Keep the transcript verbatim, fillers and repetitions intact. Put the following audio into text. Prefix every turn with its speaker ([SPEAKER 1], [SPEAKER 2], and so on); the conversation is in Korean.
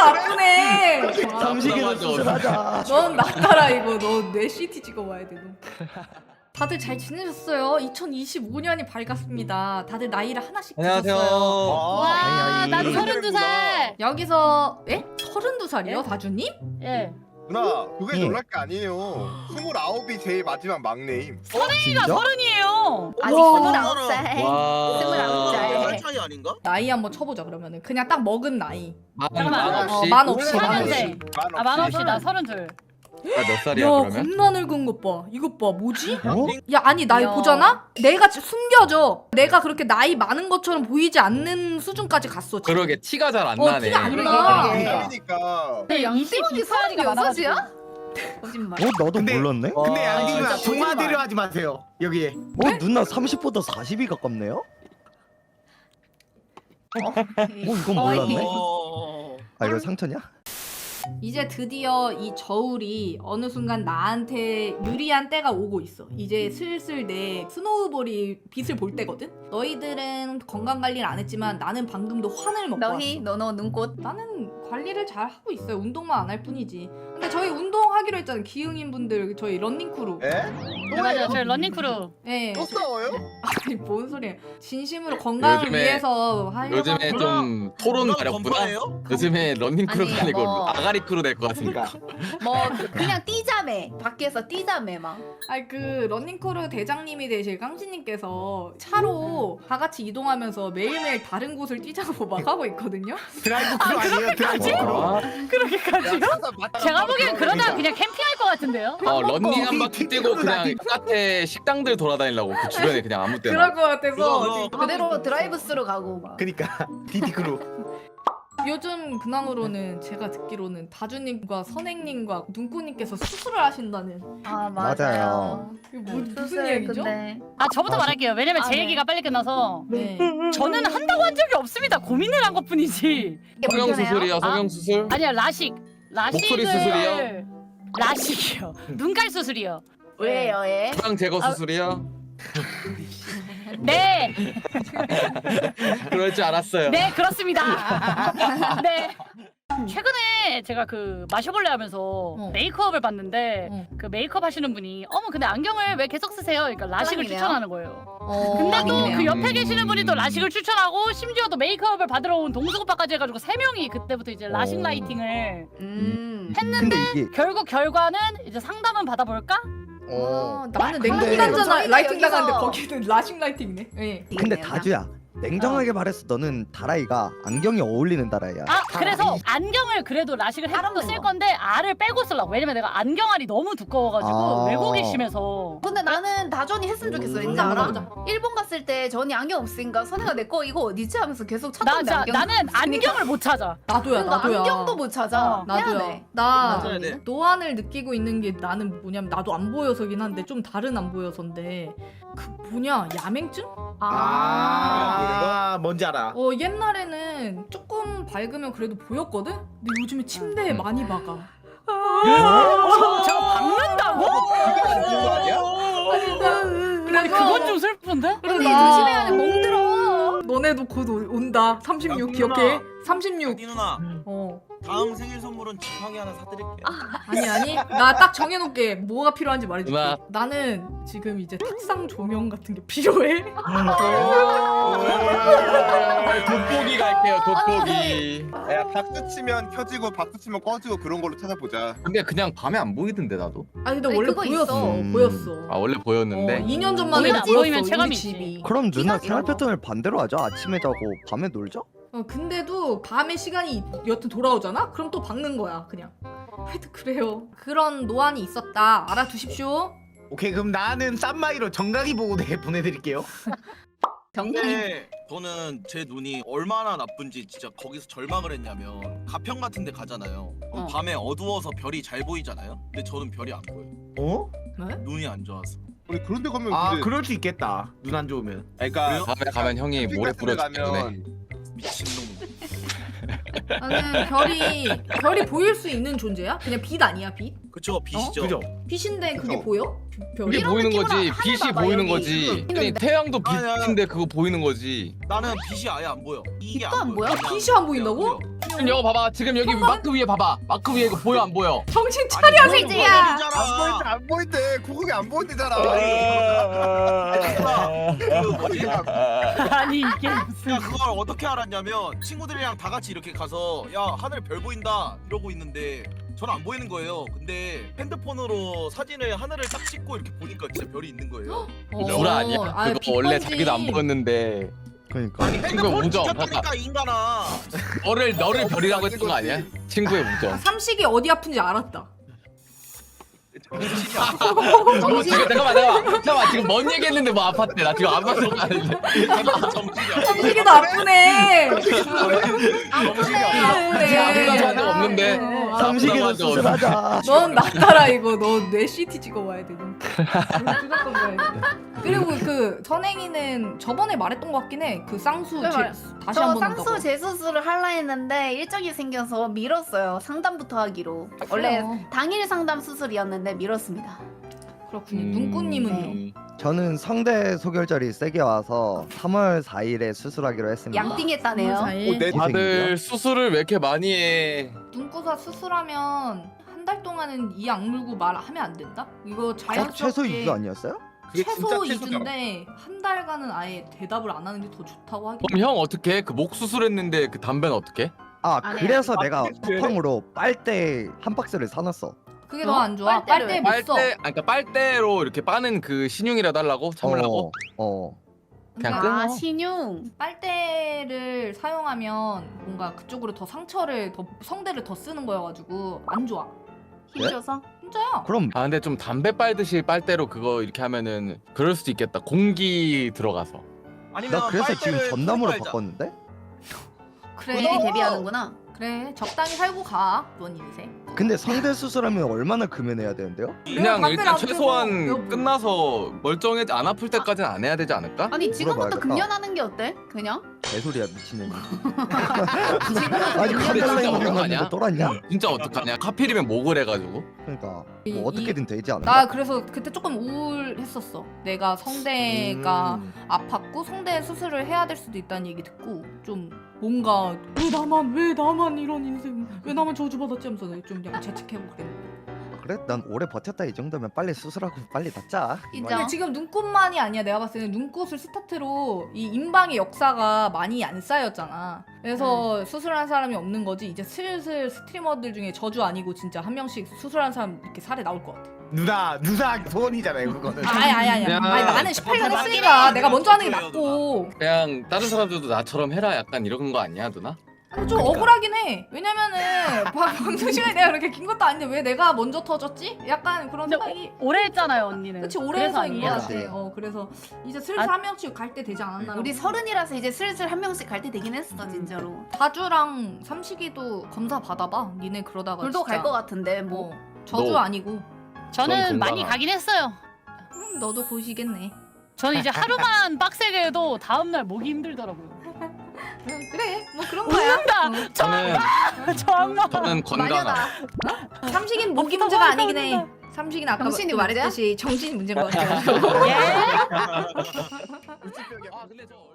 [SPEAKER 1] 아프네.
[SPEAKER 2] 정식으로 수술하자.
[SPEAKER 1] 넌 낫더라 이거. 너 뇌 씨티 찍어봐야 돼. 너. 다들 잘 지내셨어요? 이천이십오 년이 밝았습니다. 다들 나이를 하나씩
[SPEAKER 3] 안녕하세요.
[SPEAKER 1] 드셨어요.
[SPEAKER 4] 와,
[SPEAKER 2] 아이,
[SPEAKER 4] 나도
[SPEAKER 2] 아이.
[SPEAKER 4] 서른두 살.
[SPEAKER 1] 여기서 에? 서른두 살이요?
[SPEAKER 4] 예?
[SPEAKER 1] 다주님?
[SPEAKER 4] 예.
[SPEAKER 5] 누나 그게
[SPEAKER 2] 응.
[SPEAKER 5] 놀랄 게 아니에요. 스물아홉이 제일 마지막 막내임.
[SPEAKER 4] 서른이가 서른이에요.
[SPEAKER 1] 아직
[SPEAKER 6] 와.
[SPEAKER 1] 스물아홉 살.
[SPEAKER 3] 와.
[SPEAKER 1] 스물아홉 살.
[SPEAKER 6] 살 차이 아닌가?
[SPEAKER 1] 나이 한번 쳐보자 그러면은. 그냥 딱 먹은 나이.
[SPEAKER 3] 만,
[SPEAKER 4] 잠깐만.
[SPEAKER 3] 만
[SPEAKER 1] 어,
[SPEAKER 3] 없이?
[SPEAKER 1] 만 없이. 만
[SPEAKER 4] 만
[SPEAKER 1] 없이.
[SPEAKER 4] 년생. 아, 만 없이 나 서른둘.
[SPEAKER 3] 나 몇
[SPEAKER 1] 야
[SPEAKER 3] 살이야 그러면?
[SPEAKER 1] 겁나 늙은 것 봐. 이것 봐 뭐지?
[SPEAKER 2] 어?
[SPEAKER 1] 야 아니 나
[SPEAKER 4] 야.
[SPEAKER 1] 보잖아? 내가 지- 숨겨져. 내가 그렇게 나이 많은 것처럼 보이지 않는 수준까지 갔어 지금.
[SPEAKER 3] 그러게 티가 잘 안
[SPEAKER 1] 어,
[SPEAKER 3] 나네.
[SPEAKER 1] 티가 안
[SPEAKER 5] 그러게
[SPEAKER 1] 나.
[SPEAKER 5] 그러니까
[SPEAKER 4] 근데 양심이
[SPEAKER 6] 서른여섯 이야?
[SPEAKER 4] 거짓말.
[SPEAKER 2] 어 나도
[SPEAKER 7] 근데-
[SPEAKER 2] 몰랐네. 어
[SPEAKER 7] 근데
[SPEAKER 3] 와,
[SPEAKER 7] 양님아
[SPEAKER 4] 진짜
[SPEAKER 7] 동화대로 하지 마세요 여기에.
[SPEAKER 2] 누나 삼십보다 사십이 가깝네요. 어 이건 몰랐네.
[SPEAKER 6] 어.
[SPEAKER 2] 아 이거 상처냐?
[SPEAKER 1] 이제 드디어 이 저울이 어느 순간 나한테 유리한 때가 오고 있어. 이제 슬슬 내 스노우볼이 빛을 볼 때거든? 너희들은 건강관리를 안 했지만 나는 방금도 환을 먹고
[SPEAKER 6] 너희
[SPEAKER 1] 왔어.
[SPEAKER 6] 너너 눈꽃.
[SPEAKER 1] 나는 관리를 잘 하고 있어요. 운동만 안 할 뿐이지. 근데 저희 운동하기로 했잖아요. 기흥인 분들 저희 런닝크루.
[SPEAKER 5] 에?
[SPEAKER 4] 네, 맞아요. 저희 러닝크루.
[SPEAKER 1] 예.
[SPEAKER 5] 또 싸워요?
[SPEAKER 1] 아니 뭔 소리야. 진심으로 건강을
[SPEAKER 3] 요즘에-
[SPEAKER 1] 위해서 하려고
[SPEAKER 3] 요즘에
[SPEAKER 1] 하는
[SPEAKER 3] 좀 토론
[SPEAKER 6] 누나
[SPEAKER 3] 가렵구나.
[SPEAKER 6] 건파예요?
[SPEAKER 3] 요즘에 런닝 크루
[SPEAKER 6] 아니,
[SPEAKER 3] 아니고
[SPEAKER 6] 뭐.
[SPEAKER 3] 아가리 크루 될 것 같으니까.
[SPEAKER 6] 뭐 그냥 뛰자매. 밖에서 뛰자매 막.
[SPEAKER 1] 아니 그 런닝크루 대장님이 되실 깡씨님께서 차로 다 같이 이동하면서 매일매일 다른 곳을 뛰자고 막 하고 있거든요.
[SPEAKER 7] 드라이브 크루 아니에요? 드라이브 크루.
[SPEAKER 3] 아,
[SPEAKER 4] 그렇게까지요? 제가 보기엔 그러다 그냥 캠핑할 것 같은데요.
[SPEAKER 3] 어 런닝 한 바퀴 뛰고 그냥 바깥에 식당들 돌아다니려고 그 주변에 그냥 아무 때나.
[SPEAKER 1] 그럴 것 같아서
[SPEAKER 6] 그거,
[SPEAKER 1] 지금
[SPEAKER 6] 그대로 드라이브 스루 가고 막.
[SPEAKER 7] 그니까 디디 크루.
[SPEAKER 1] 요즘 근황으로는 제가 듣기로는 다주님과 선행님과 눈꽃님께서 수술을 하신다는.
[SPEAKER 6] 아
[SPEAKER 2] 맞아요.
[SPEAKER 1] 이거 뭐, 무슨
[SPEAKER 6] 수술
[SPEAKER 1] 얘기죠?
[SPEAKER 6] 근데
[SPEAKER 4] 아 저부터 말할게요. 왜냐면
[SPEAKER 6] 아,
[SPEAKER 4] 제
[SPEAKER 6] 네.
[SPEAKER 4] 얘기가 빨리 끝나서
[SPEAKER 1] 네.
[SPEAKER 4] 저는 한다고 한 적이 없습니다. 고민을 한 것뿐이지.
[SPEAKER 6] 이게
[SPEAKER 3] 성형
[SPEAKER 6] 불편해요?
[SPEAKER 3] 수술이야 성형 수술?
[SPEAKER 4] 아니야 라식. 라식을
[SPEAKER 3] 목소리 수술이요?
[SPEAKER 4] 라식이요. 눈깔 수술이요.
[SPEAKER 6] 왜요 예?
[SPEAKER 3] 지방 제거
[SPEAKER 4] 아,
[SPEAKER 3] 수술이야?
[SPEAKER 4] 네,
[SPEAKER 3] 그럴 줄 알았어요.
[SPEAKER 4] 네 그렇습니다. 네. 최근에 제가 그 마셔볼래 하면서 메이크업을 봤는데
[SPEAKER 1] 어.
[SPEAKER 4] 그 메이크업 하시는 분이 어머 근데 안경을 왜 계속 쓰세요? 그러니까 라식을
[SPEAKER 6] 짱이네요.
[SPEAKER 4] 추천하는 거예요.
[SPEAKER 1] 어,
[SPEAKER 4] 근데 또
[SPEAKER 1] 아니네요.
[SPEAKER 4] 그 옆에 계시는 분이 또 라식을 추천하고 심지어 또 메이크업을 받으러 온 동수 오빠까지 해가지고 세 명이 그때부터 이제 라식
[SPEAKER 2] 어.
[SPEAKER 4] 라이팅을
[SPEAKER 6] 음.
[SPEAKER 2] 근데 이게
[SPEAKER 4] 결국 결과는 이제 상담은 받아볼까?
[SPEAKER 2] 어
[SPEAKER 1] 아, 나는
[SPEAKER 6] 근데
[SPEAKER 1] 냉동이잖아
[SPEAKER 6] 저희는
[SPEAKER 1] 라이팅
[SPEAKER 6] 여기서-
[SPEAKER 1] 나가는데 거기는 라식 라이팅이네. 네.
[SPEAKER 2] 근데 다주야. 냉정하게 말해서 너는 다라이가 안경이 어울리는 다라이야.
[SPEAKER 4] 아 그래서 안경을 그래도 라식을 해도
[SPEAKER 6] 다른
[SPEAKER 4] 쓸
[SPEAKER 6] 거.
[SPEAKER 4] 건데 알을 빼고 쓰려고. 왜냐면 내가 안경알이 너무 두꺼워가지고
[SPEAKER 2] 아.
[SPEAKER 4] 왜곡이 심해서.
[SPEAKER 6] 근데 나는 다전이 했으면 좋겠어. 왠지
[SPEAKER 1] 음,
[SPEAKER 6] 알아?
[SPEAKER 1] 맞아.
[SPEAKER 6] 일본 갔을 때 전이 안경 없으니까 선혜가 내 거 이거 어디지 하면서 계속
[SPEAKER 4] 나
[SPEAKER 6] 찾던데
[SPEAKER 4] 자,
[SPEAKER 6] 안경.
[SPEAKER 4] 나는 안경을 못 찾아.
[SPEAKER 1] 나도야
[SPEAKER 6] 그러니까
[SPEAKER 1] 나도야.
[SPEAKER 6] 안경도 못 찾아.
[SPEAKER 4] 어,
[SPEAKER 1] 나도야.
[SPEAKER 6] 미안해.
[SPEAKER 1] 나
[SPEAKER 6] 맞아야
[SPEAKER 5] 돼.
[SPEAKER 1] 노안을 느끼고 있는 게 나는 뭐냐면 나도 안 보여서긴 한데 좀 다른 안 보여서인데 그 뭐냐 야맹증?
[SPEAKER 7] 아 뭔지 알아.
[SPEAKER 1] 어 옛날에는 조금 밝으면 그래도 보였거든? 근데 요즘에 침대에
[SPEAKER 3] 음.
[SPEAKER 1] 많이 박아.
[SPEAKER 4] 저, 저거 박는다고?
[SPEAKER 5] 이거 아니야?
[SPEAKER 4] 아니
[SPEAKER 1] 그래서
[SPEAKER 4] 그건 좀 슬픈데?
[SPEAKER 1] 그래
[SPEAKER 6] 근데
[SPEAKER 1] 나
[SPEAKER 6] 조심해야 돼. 멍들어.
[SPEAKER 1] 너네도 곧 오- 온다. 삼십육
[SPEAKER 8] 야,
[SPEAKER 1] 기억해? 삼십육.
[SPEAKER 8] 아니 누나
[SPEAKER 1] 어.
[SPEAKER 8] 다음 생일 선물은 지팡이 하나 사드릴게.
[SPEAKER 1] 아니 아니 나 딱 정해놓게 뭐가 필요한지 말해줄게.
[SPEAKER 3] 누나.
[SPEAKER 1] 나는 지금 이제 탁상 조명 같은 게 필요해.
[SPEAKER 3] 돋보기 갈게요 돋보기.
[SPEAKER 5] 야 박수 치면 켜지고 박수 치면 꺼지고 그런 걸로 찾아보자.
[SPEAKER 3] 근데 그냥 밤에 안 보이던데 나도.
[SPEAKER 1] 아니 근데
[SPEAKER 6] 아니,
[SPEAKER 1] 원래
[SPEAKER 6] 그거
[SPEAKER 1] 보였어.
[SPEAKER 6] 있어.
[SPEAKER 2] 음.
[SPEAKER 1] 보였어.
[SPEAKER 3] 아 원래 보였는데.
[SPEAKER 1] 어, 이 년 전만 해도
[SPEAKER 4] 보이면-
[SPEAKER 1] 보였어.
[SPEAKER 4] 보이면
[SPEAKER 1] 우리
[SPEAKER 4] 체감이 있지.
[SPEAKER 1] 집이.
[SPEAKER 2] 그럼 누나
[SPEAKER 6] 이거
[SPEAKER 2] 생활
[SPEAKER 6] 이거.
[SPEAKER 2] 패턴을 반대로 하자. 아침에 자고 밤에 놀자.
[SPEAKER 1] 어 근데도 밤에 시간이 여튼 돌아오잖아? 그럼 또 박는 거야 그냥. 하여튼 그래요. 그런 노안이 있었다. 알아두십시오.
[SPEAKER 7] 오케이 그럼 나는 쌈마이로 정강이 보고대 보내드릴게요.
[SPEAKER 6] 정강이.
[SPEAKER 8] 근데 저는 제 눈이 얼마나 나쁜지 진짜 거기서 절망을 했냐면 가평 같은 데 가잖아요. 그럼
[SPEAKER 6] 어.
[SPEAKER 8] 밤에 어두워서 별이 잘 보이잖아요. 근데 저는 별이 안 보여요.
[SPEAKER 7] 어?
[SPEAKER 1] 네?
[SPEAKER 8] 눈이 안 좋아서.
[SPEAKER 5] 우리 그런 데 가면
[SPEAKER 7] 아
[SPEAKER 5] 근데
[SPEAKER 7] 그럴 수 있겠다. 눈 안 좋으면.
[SPEAKER 5] 그러니까
[SPEAKER 8] 왜요?
[SPEAKER 3] 밤에 가면 형이 모래
[SPEAKER 5] 캠핑 같은 데
[SPEAKER 3] 뿌려 죽겠네.
[SPEAKER 5] 가면
[SPEAKER 8] 미친놈.
[SPEAKER 1] 나는 별이 별이 보일 수 있는 존재야? 그냥 빛 아니야 빛?
[SPEAKER 8] 그쵸 빛이죠.
[SPEAKER 7] 그죠?
[SPEAKER 1] 빛인데 그게
[SPEAKER 5] 그죠.
[SPEAKER 1] 보여? 별이?
[SPEAKER 3] 그게
[SPEAKER 6] 이런
[SPEAKER 3] 보이는
[SPEAKER 6] 느낌으로
[SPEAKER 3] 거지.
[SPEAKER 6] 하늘
[SPEAKER 3] 빛이
[SPEAKER 6] 봐봐,
[SPEAKER 3] 보이는
[SPEAKER 6] 여기.
[SPEAKER 3] 거지.
[SPEAKER 6] 이거.
[SPEAKER 3] 아니 태양도
[SPEAKER 8] 아니, 아니.
[SPEAKER 3] 빛인데 그거 보이는 거지.
[SPEAKER 8] 나는 빛이 아예 안 보여. 이게
[SPEAKER 6] 빛도 안 보여?
[SPEAKER 8] 그냥
[SPEAKER 1] 빛이 안 보인다고?
[SPEAKER 8] 안 보여.
[SPEAKER 3] 지금 이거 봐봐. 지금 여기 마크 위에 봐봐. 마크 위에 이거 보여 안 보여?
[SPEAKER 1] 정신
[SPEAKER 8] 아니,
[SPEAKER 1] 차려
[SPEAKER 8] 보이는
[SPEAKER 1] 세지야.
[SPEAKER 8] 거잖아.
[SPEAKER 5] 안 보인대 안 보인대 구국이 안 보인대잖아.
[SPEAKER 8] 그 뭐지?
[SPEAKER 4] 아니 이게 무슨
[SPEAKER 8] 야 그걸 어떻게 알았냐면 친구들이랑 다 같이 이렇게 가서 야 하늘에 별 보인다 이러고 있는데 저는 안 보이는 거예요. 근데 핸드폰으로 사진을 하늘을 딱 찍고 이렇게 보니까 진짜 별이 있는 거예요.
[SPEAKER 3] 구라 아니야?
[SPEAKER 1] 아,
[SPEAKER 3] 그거 원래
[SPEAKER 1] 빛번지.
[SPEAKER 3] 자기도 안 보였는데
[SPEAKER 2] 그러니까
[SPEAKER 3] 친구의
[SPEAKER 8] 핸드폰
[SPEAKER 3] 우정.
[SPEAKER 8] 찍혔다니까 이 인간아.
[SPEAKER 3] 너를 너를 별이라고 했던 거 아니야? 친구의 우정.
[SPEAKER 1] 삼식이 어디 아픈지 알았다.
[SPEAKER 8] 정신이 안
[SPEAKER 3] 너 지금 잠깐만 잠깐만 잠깐만 지금 뭔 얘기했는데 뭐 아팠대? 나 지금 안 봤어 가는데.
[SPEAKER 8] 정신이 안
[SPEAKER 1] 삼식이도 아프네.
[SPEAKER 8] 정신이 안
[SPEAKER 1] 아프네.
[SPEAKER 3] 아무나 봐도 없는데.
[SPEAKER 1] 어,
[SPEAKER 2] 삼식이도
[SPEAKER 3] 아무나 봐도
[SPEAKER 2] 수술하자.
[SPEAKER 1] 넌 낫다라 이거. 너 뇌 씨티 찍어와야 돼. 넌. 무조건 가야 돼. 그리고 그 선행이는 저번에 말했던 것 같긴 해. 그 쌍수
[SPEAKER 6] 네,
[SPEAKER 1] 제,
[SPEAKER 6] 말-
[SPEAKER 1] 다시
[SPEAKER 6] 저
[SPEAKER 1] 한번
[SPEAKER 6] 쌍수
[SPEAKER 1] 한다고.
[SPEAKER 6] 재수술을 할라 했는데 일정이 생겨서 미뤘어요. 상담부터 하기로. 원래
[SPEAKER 1] 그래요.
[SPEAKER 6] 당일 상담 수술이었는데 미뤘습니다.
[SPEAKER 1] 그렇군요.
[SPEAKER 3] 음.
[SPEAKER 1] 눈꽃님은요?
[SPEAKER 6] 네.
[SPEAKER 2] 저는 성대 소결절이 세게 와서 삼월 사일에 수술하기로 했습니다.
[SPEAKER 6] 양띵했다네요.
[SPEAKER 1] 사일.
[SPEAKER 5] 내
[SPEAKER 3] 다들 수술을 왜 이렇게 많이 해?
[SPEAKER 1] 눈꽃아 수술하면 한 달 동안은 이 악물고 말하면 안 된다? 이거
[SPEAKER 2] 어,
[SPEAKER 1] 자연스럽게
[SPEAKER 2] 최소 이 주 아니었어요?
[SPEAKER 5] 그게 진짜
[SPEAKER 1] 최소
[SPEAKER 5] 최소잖아.
[SPEAKER 1] 이 주인데 한 달간은 아예 대답을 안 하는 게 더 좋다고 하긴
[SPEAKER 3] 그럼 형 어떻게 해? 그 목 수술했는데 그 담배는 어떻게?
[SPEAKER 2] 아
[SPEAKER 6] 안
[SPEAKER 2] 그래서
[SPEAKER 5] 해요.
[SPEAKER 2] 내가
[SPEAKER 5] 아, 그래?
[SPEAKER 2] 쿠팡으로 빨대 한 박스를 사놨어.
[SPEAKER 1] 그게
[SPEAKER 6] 어?
[SPEAKER 1] 더 안 좋아.
[SPEAKER 6] 빨대를
[SPEAKER 1] 빨대
[SPEAKER 6] 왜?
[SPEAKER 1] 못
[SPEAKER 3] 빨대,
[SPEAKER 1] 써.
[SPEAKER 3] 아니, 그러니까 빨대로 이렇게 빠는 그 신용이라도 하려고 참으려고.
[SPEAKER 2] 어. 어.
[SPEAKER 3] 그냥
[SPEAKER 1] 그러니까
[SPEAKER 6] 아
[SPEAKER 3] 끊어.
[SPEAKER 6] 신용.
[SPEAKER 1] 빨대를 사용하면 뭔가 그쪽으로 더 상처를 더 성대를 더 쓰는 거여가지고 안 좋아.
[SPEAKER 6] 힘줘서.
[SPEAKER 1] 진짜야.
[SPEAKER 2] 그럼
[SPEAKER 3] 아 근데 좀 담배 빨듯이 빨대로 그거 이렇게 하면은 그럴 수도 있겠다. 공기 들어가서.
[SPEAKER 8] 아니면
[SPEAKER 2] 나 그래서 지금
[SPEAKER 8] 빨대를
[SPEAKER 2] 전남으로
[SPEAKER 8] 풀고
[SPEAKER 2] 바꿨는데?
[SPEAKER 1] 그래.
[SPEAKER 6] 본인이 데뷔하는구나.
[SPEAKER 1] 그래. 적당히 살고 가. 넌 인생.
[SPEAKER 2] 근데 성대 수술하면 얼마나 금연해야 되는데요?
[SPEAKER 3] 그냥
[SPEAKER 1] 담배를
[SPEAKER 3] 일단
[SPEAKER 1] 안 피우고
[SPEAKER 3] 최소한
[SPEAKER 1] 몇 분.
[SPEAKER 3] 끝나서 멀쩡해 안 아플 때까지는 안 해야 되지 않을까?
[SPEAKER 6] 아니 지금부터
[SPEAKER 2] 물어봐야겠다.
[SPEAKER 6] 금연하는 게 어때? 그냥?
[SPEAKER 2] 개소리야 미친년이.
[SPEAKER 6] 지금부터
[SPEAKER 2] 아니
[SPEAKER 3] 근데
[SPEAKER 6] 금연하는
[SPEAKER 3] 진짜
[SPEAKER 2] 카멜라인
[SPEAKER 3] 어떡하냐?
[SPEAKER 2] 먹는 거 똘았냐?
[SPEAKER 3] 진짜 어떡하냐? 하필이면 목을 해가지고.
[SPEAKER 2] 그러니까
[SPEAKER 1] 이-
[SPEAKER 2] 뭐 어떻게든 되지 않을까?
[SPEAKER 1] 나 그래서 그때 조금 우울했었어. 내가 성대가
[SPEAKER 3] 음.
[SPEAKER 1] 아팠고 성대 수술을 해야 될 수도 있다는 얘기 듣고 좀 뭔가 왜 나만 왜 나만 이런 인생 왜 나만 저주받았지 하면서 좀 약간 죄책하고 그랬는데.
[SPEAKER 2] 그래? 난 오래 버텼다 이 정도면 빨리 수술하고 빨리 낫자.
[SPEAKER 6] 인정.
[SPEAKER 1] 근데 지금 눈꽃만이 아니야. 내가 봤을 때는 눈꽃을 스타트로 이 인방의 역사가 많이 안 쌓였잖아. 그래서 수술한 사람이 없는 거지. 이제 슬슬 스트리머들 중에 저주 아니고 진짜 한 명씩 수술한 사람 이렇게 사례 나올 것 같아.
[SPEAKER 7] 누나 누나 소원이잖아요 그거는.
[SPEAKER 1] 아니 아니 아니.
[SPEAKER 3] 그냥-
[SPEAKER 1] 아니 나는 십팔 년
[SPEAKER 6] 아,
[SPEAKER 1] 했으니까 내가 먼저 하는 게
[SPEAKER 8] 저도예요,
[SPEAKER 1] 맞고.
[SPEAKER 3] 그냥 다른 사람들도 나처럼 해라 약간 이런 거 아니야 누나?
[SPEAKER 1] 근데 좀 억울하긴 해. 왜냐면은 방- 방송 시간이 내가 그렇게 긴 것도 아닌데 왜 내가 먼저 터졌지? 약간 그런
[SPEAKER 4] 근데
[SPEAKER 1] 생각이.
[SPEAKER 4] 오래 했잖아요 언니는.
[SPEAKER 1] 그치 오래
[SPEAKER 4] 그래서
[SPEAKER 1] 해서인 것
[SPEAKER 4] 아니에요?
[SPEAKER 1] 같아. 어 그래서 이제 슬슬
[SPEAKER 4] 아-
[SPEAKER 1] 한 명씩 갈 때 되지 않았나?
[SPEAKER 6] 우리 서른이라서 이제 슬슬 한 명씩 갈 때 되긴 했어 진짜로.
[SPEAKER 1] 다주랑 삼식이도 검사 받아봐. 니네 그러다가
[SPEAKER 6] 둘도
[SPEAKER 1] 진짜.
[SPEAKER 6] 갈 것 같은데 뭐.
[SPEAKER 1] 뭐 저주
[SPEAKER 3] 너.
[SPEAKER 1] 아니고.
[SPEAKER 4] 저는
[SPEAKER 3] 전
[SPEAKER 4] 많이
[SPEAKER 3] 건강하-
[SPEAKER 4] 가긴 했어요.
[SPEAKER 1] 음, 너도 보시겠네.
[SPEAKER 4] 저는 이제 하루만 빡세게 해도 다음날 목이 힘들더라고요.
[SPEAKER 1] 음, 그래 뭐 그런 거야.
[SPEAKER 4] 웃는다.
[SPEAKER 1] 어.
[SPEAKER 3] 저는
[SPEAKER 4] 정말.
[SPEAKER 3] 저는 건강한.
[SPEAKER 6] 마녀다.
[SPEAKER 1] 삼식이는 목이
[SPEAKER 4] 없어,
[SPEAKER 1] 문제가
[SPEAKER 4] 없어,
[SPEAKER 1] 아니긴 해.
[SPEAKER 4] 없어.
[SPEAKER 1] 삼식이는 아까
[SPEAKER 6] 정신이
[SPEAKER 1] 또
[SPEAKER 6] 문제야?
[SPEAKER 1] 말했듯이 정신이 문제인 것 같아.
[SPEAKER 4] 예.
[SPEAKER 3] 아 근데 저